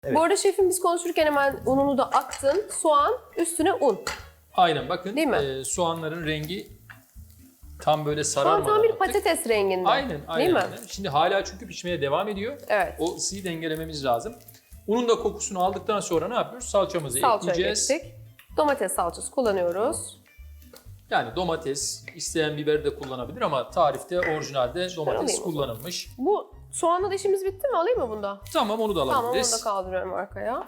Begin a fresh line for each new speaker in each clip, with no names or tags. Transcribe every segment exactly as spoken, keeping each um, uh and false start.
Evet.
Bu arada şefim biz konuşurken hemen ununu da attın. Soğan, üstüne un.
Aynen bakın
Değil mi?
e, soğanların rengi tam böyle
Soğan
sararmadan
tam bir
attık.
patates renginde.
Aynen, aynen.
Değil mi?
aynen. Şimdi hala çünkü pişmeye devam ediyor.
Evet.
O ısıyı dengelememiz lazım. Unun da kokusunu aldıktan sonra ne yapıyoruz? Salçamızı
Salça
ekleyeceğiz.
ekledik. Domates salçası kullanıyoruz.
Yani domates, isteyen biber de kullanabilir ama tarifte orijinalde domates
alayım o zaman.
kullanılmış.
Bu soğanla da işimiz bitti mi? Alayım mı bunda?
Tamam, onu da
Tamam, onu
alabiliriz.
da kaldırıyorum arkaya.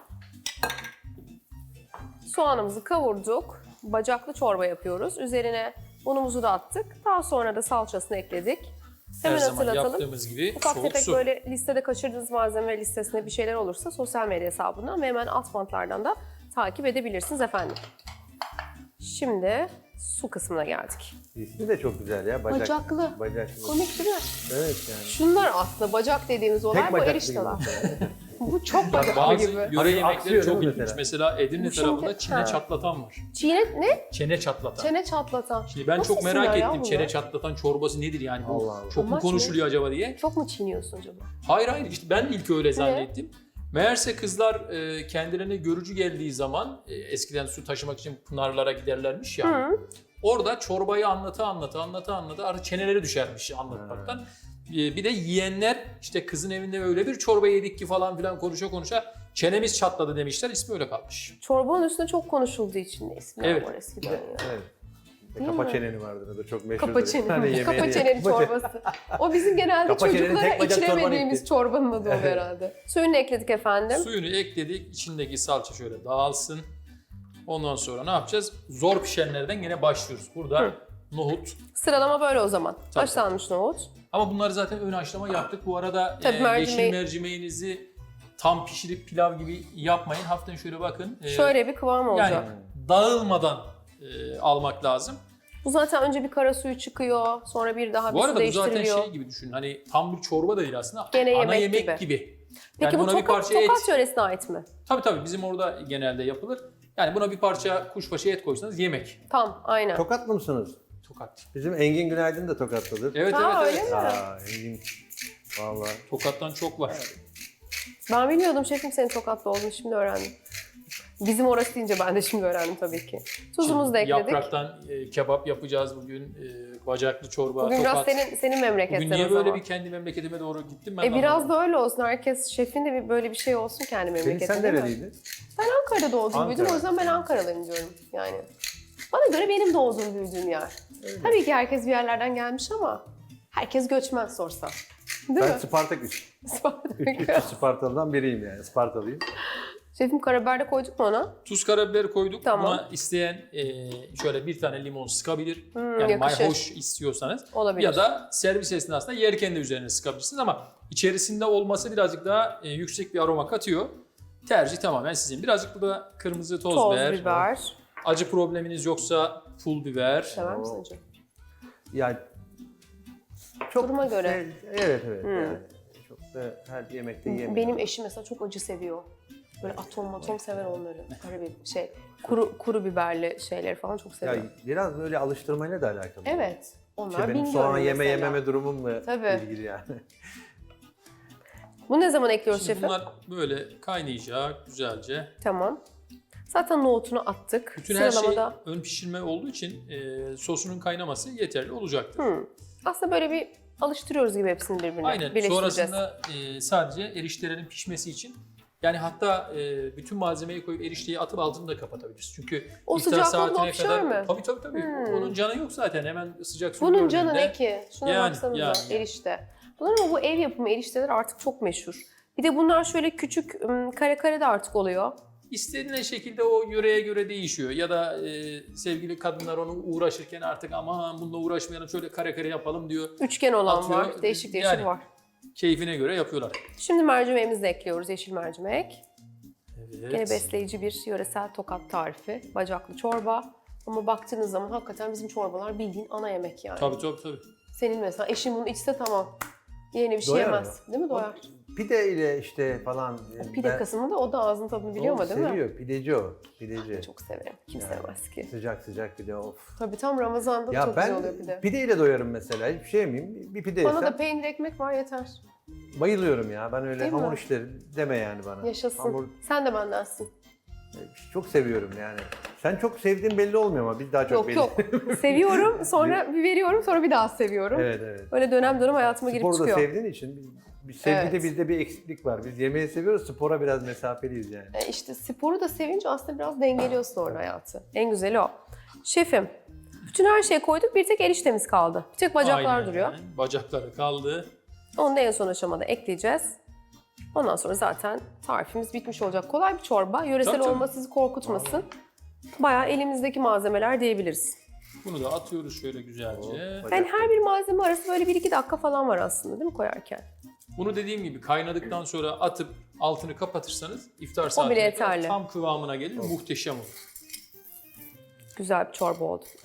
Soğanımızı kavurduk. Bacaklı çorba yapıyoruz. Üzerine unumuzu da attık. Daha sonra da salçasını ekledik.
Her
Hemen
zaman
hatırlatalım.
yaptığımız gibi
Ufak
soğuk
tefek
su.
böyle listede kaçırdığınız malzeme listesinde bir şeyler olursa sosyal medya hesabından ve hemen alt bantlardan da takip edebilirsiniz efendim. Şimdi su kısmına geldik.
İsmi de çok güzel ya. Bacak,
Bacaklı.
Bacaklı.
Komik değil mi?
Evet yani.
Şunlar aslında bacak dediğimiz olay bu
bacaklı
erişteler.
gibi mesela.
Bu çok
Bak,
bacaklı
bazı
gibi.
yöre
Hani
yemekleri
aksıyor
çok
değil mi
ilginç. Mesela,
mesela?
Edirne
Bu şimdi-
tarafında çene
Ha.
çatlatan var.
Çiğne ne?
Çene çatlatan.
Çene çatlatan.
Şimdi ben
Nasıl
çok merak
isimler ya
ettim
bunlar?
çene çatlatan çorbası nedir yani bu?
Allah Allah.
Çok mu
Amaç ne?
konuşuluyor acaba diye.
Çok mu çiğniyorsun acaba?
Hayır hayır işte ben ilk öyle zannettim. Meğerse kızlar e, kendilerine görücü geldiği zaman e, eskiden su taşımak için pınarlara giderlermiş ya.
Hı.
Orada çorbayı anlata anlata anlata anlata artık çeneleri düşermiş anlatmaktan. E, bir de yiyenler işte kızın evinde öyle bir çorba yedik ki falan filan konuşa konuşa çenemiz çatladı demişler. İsmi öyle kalmış.
Çorbanın üstüne çok konuşulduğu için de isimler
Evet.
var eskiden ya.
Evet.
Değil
Kapa
mi?
çeneni vardır. O da çok meşhurdur.
Kapa çeneni.
Hani yemeğini-
Kapa çeneni
Kapa çeneni.
çorbası. O bizim genelde
Kapa çeneni
çocuklara
tek bacak çorban
içiremediğimiz
ekti.
çorbanın adı o herhalde. Suyunu ekledik efendim.
Suyunu ekledik. İçindeki salça şöyle dağılsın. Ondan sonra ne yapacağız? Zor pişenlerden yine başlıyoruz. Burada
Hı.
nohut.
Sıralama böyle o zaman.
Tabii.
Haşlanmış nohut.
Ama bunları zaten ön haşlama yaptık. Bu arada
Tabii
e,
mercimeği-
yeşil mercimeğinizi tam pişirip pilav gibi yapmayın. Hafiften şöyle bakın. E,
Şöyle bir kıvam olacak.
yani dağılmadan e, almak lazım.
Bu zaten önce bir kara suyu çıkıyor. Sonra bir daha bir
Bu
su
arada bu zaten
değiştiriliyor.
şey gibi düşünün. Hani tam bir çorba da değil aslında.
Gene
ana
yemek
yemek
gibi.
gibi.
Peki
Yani
bu
buna bir
tokat,
parça et.
tokat yöresine ait mi?
Tabii tabii bizim orada genelde yapılır. Yani buna bir parça kuşbaşı et koysanız yemek.
Tam aynen.
Tokatlı mısınız?
Tokat.
Bizim Engin Günaydın da Tokatlıdır.
Evet
Ha,
evet
öyle
evet.
mi?
Aa, Engin. Vallahi.
Tokattan çok var.
Ben bilmiyordum şefim senin Tokatlı olduğunu şimdi öğrendim. Bizim orası deyince ben de şimdi öğrendim tabii ki. Tuzumuzu da ekledik.
Yapraktan e, kebap yapacağız bugün. E, bacaklı çorba,
Bugün biraz
tokat.
senin senin memleketten
Bugün niye
o
böyle
zaman.
bir kendi memleketime doğru gittim ben
E
de
biraz
anlamadım.
da öyle olsun. Herkes şefin de bir böyle bir şey olsun kendi
Senin
memleketinde.
sen
değil mi?
nereliydin?
Ben Ankara'da doğdum
Ankara.
büyüdüm o yüzden ben Ankaralıyım diyorum yani. Bana göre benim doğduğum büyüdüğüm yer. Tabii ki herkes bir yerlerden gelmiş ama herkes göçmen sorsa. Değil
Ben
mi?
Spartaküs.
Spartak.
Üç Spartalı'dan biriyim yani. Spartalıyım.
Şefim karabiber de koyduk mu ona?
Tuz karabiber koyduk.
Tamam.
Buna isteyen e, şöyle bir tane limon sıkabilir.
Hmm,
yani
yakışır.
mayhoş istiyorsanız.
Olabilir.
Ya da servis esnasında yerken de üzerine sıkabilirsiniz ama içerisinde olması birazcık daha e, yüksek bir aroma katıyor. Tercih tamamen sizin. Birazcık burada kırmızı toz,
Toz
biber.
biber.
Acı probleminiz yoksa pul biber.
Sever misin acı?
Yani çok
Duruma göre.
Evet evet evet.
Hmm.
Yani çok da her yemekte yiyemiyorum.
Benim eşim mesela çok acı seviyor. Böyle atom atom sever onları. Karabiber, şey, kuru kuru biberli şeyleri falan çok seviyor.
Ya biraz böyle alıştırmayla da alakalı.
Evet. Onlar
İşte benim
bilmiyorum
soğan yeme
mesela.
yememe durumumla
Tabii.
ilgili yani.
Bunu ne zaman ekliyoruz
Şimdi
şefim?
bunlar böyle kaynayacak güzelce.
Tamam. Zaten nohutunu attık.
Bütün her şey
Sıralamada...
ön pişirme olduğu için e, sosunun kaynaması yeterli olacaktır.
Hmm. Aslında böyle bir alıştırıyoruz gibi hepsini birbirine.
Aynen.
Birleştireceğiz.
Sonrasında e, sadece eriştelerin pişmesi için yani hatta e, bütün malzemeyi koyup erişteyi atıp altını da kapatabiliriz. Çünkü
O
iftar
sıcaklıkla
saatine
pişer
kadar
mi?
tabii tabii tabii.
Hmm.
Onun canı yok zaten. Hemen sıcak su
Bunun canı
gördüğünde-
ne ki? Şuna
Yani,
baksanıza
yani, yani.
erişte. Bunlar ama bu ev yapımı erişteler artık çok meşhur. Bir de bunlar şöyle küçük ım, kare kare de artık oluyor.
İstediğin şekilde o yöreye göre değişiyor. Ya da e, sevgili kadınlar onu uğraşırken artık aman bununla uğraşmayalım şöyle kare kare yapalım diyor.
Üçgen olan
Atıyor.
var. Değişik değişik
Yani.
var.
Keyfine göre yapıyorlar.
Şimdi mercimeğimizi de ekliyoruz. Yeşil mercimek.
Evet.
Gene besleyici bir yöresel Tokat tarifi. Bacaklı çorba. Ama baktığınız zaman hakikaten bizim çorbalar bildiğin ana yemek yani.
Tabii tabii tabii.
Senin mesela eşin bunu içse tamam. Yeni bir şey
Doyar
yemez. Değil mi? Doyar.
Pide ile işte falan.
O pide
ben-
kısmını da o da ağzının tadını biliyor
O
ama değil mi?
Seviyor. Pideci o. Pideci.
Çok severim. Kim
Yani.
sevmez ki?
Sıcak sıcak pide of.
Tabii tam Ramazan'da da
Ya
çok güzel
ben
oluyor pide.
pide ile doyarım mesela. Hiçbir şey yemeyeyim. Bir pide
Bana
yesem.
da peynir ekmek var yeter.
bayılıyorum ya. Ben öyle
Değil mi?
hamur işleri deme yani bana.
Yaşasın.
Hamur
Sen de bendensin.
çok seviyorum yani. Sen çok sevdiğin belli olmuyor ama biz daha çok
Yok
belli.
yok. Seviyorum, sonra bir veriyorum, sonra bir daha seviyorum.
Evet evet.
Öyle dönem dönem hayatıma girip
Sporu da
çıkıyor.
sevdiğin için bir- bir sevgide
Evet.
bizde bir eksiklik var. Biz yemeği seviyoruz, spora biraz mesafeliyiz yani.
E işte sporu da sevince aslında biraz dengeliyorsun orada hayatı. En güzeli o. Şefim, bütün her şeyi koyduk, bir tek eriştemiz kaldı. Bir tek bacaklar
Aynen.
duruyor.
Bacakları kaldı.
Onu da en son aşamada ekleyeceğiz. Ondan sonra zaten tarifimiz bitmiş olacak. Kolay bir çorba. Yöresel
Tabii, tabii.
olması sizi korkutmasın. Bayağı elimizdeki malzemeler diyebiliriz.
Bunu da atıyoruz şöyle güzelce.
Yani her bir malzeme arası böyle bir iki dakika falan var aslında değil mi koyarken?
Bunu dediğim gibi kaynadıktan sonra atıp altını kapatırsanız iftar
bile
saatine kadar
yeterli.
tam kıvamına gelir. Muhteşem olur.
Güzel bir çorba oldu.